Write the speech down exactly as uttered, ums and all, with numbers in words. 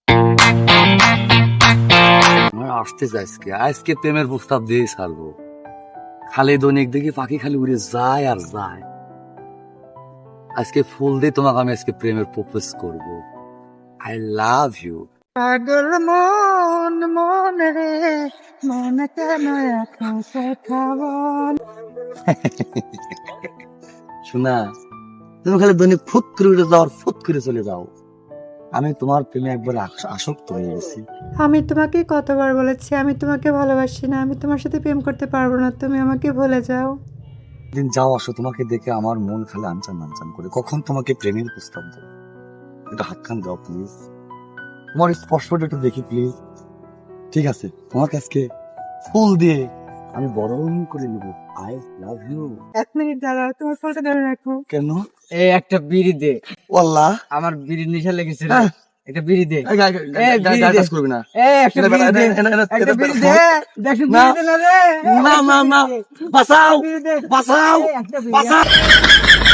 আসতে আজকে আজকে প্রেমের প্রস্তাব দিয়ে ছাড়বো। খালি দৈনিক দেখি পাখি খালি উড়ে যায় আর যায়। আজকে ফুল দিয়ে তোমাকে আমি আজকে প্রেমের প্রপোজ করব। I love you. পাগল মন মনে রে মনে কেন এখন কথা বল। শোনা, তুমি খালি দৈনিক ফুট করে উড়ে যাও আর ফুট করে চলে যাও। আমি তোমার প্রেমে একবার আস- আসক্ত হয়ে গেছি। আমি তোমাকে কতবার বলেছি আমি তোমাকে ভালোবাসি না, আমি তোমার সাথে প্রেম করতে পারবো না, তুমি আমাকে ভুলে যাও। দিন যাও আসো, তোমাকে দেখে আমার মন খালি আনচান আনচান করে। কখন তোমাকে প্রেমের প্রস্তাব দেবো, একটু হাতখান দাও প্লিজ। তোমার স্পর্শটা একটু দেখি প্লিজ। ঠিক আছে, তোমাকে আজকে ফুল দিয়ে আমি বরণ করে নেবো। I love you. এক মিনিট দাঁড়াও, তোমার ফোনটা ধরে রাখো। কেন? এই একটা বিড়ি দে, ওয়াল্লাহ আমার বিড়ির নেশা লেগেছে রে। হ্যাঁ। একটা বিড়ি দে, এই গা- গা- এই গা- বিড়ি গা- দে। কাজ করবি না। এই একটা এটা- বিড়ি এটা- দে, এটা- এটা- এটা- একটা এটা- বিড়ি এটা- দে, দেখ না। বিড়ি দে না রে। না না না, বাঁচাও বিড়ি দে, বাঁচাও এই একটা বিড়ি। বাঁচাও।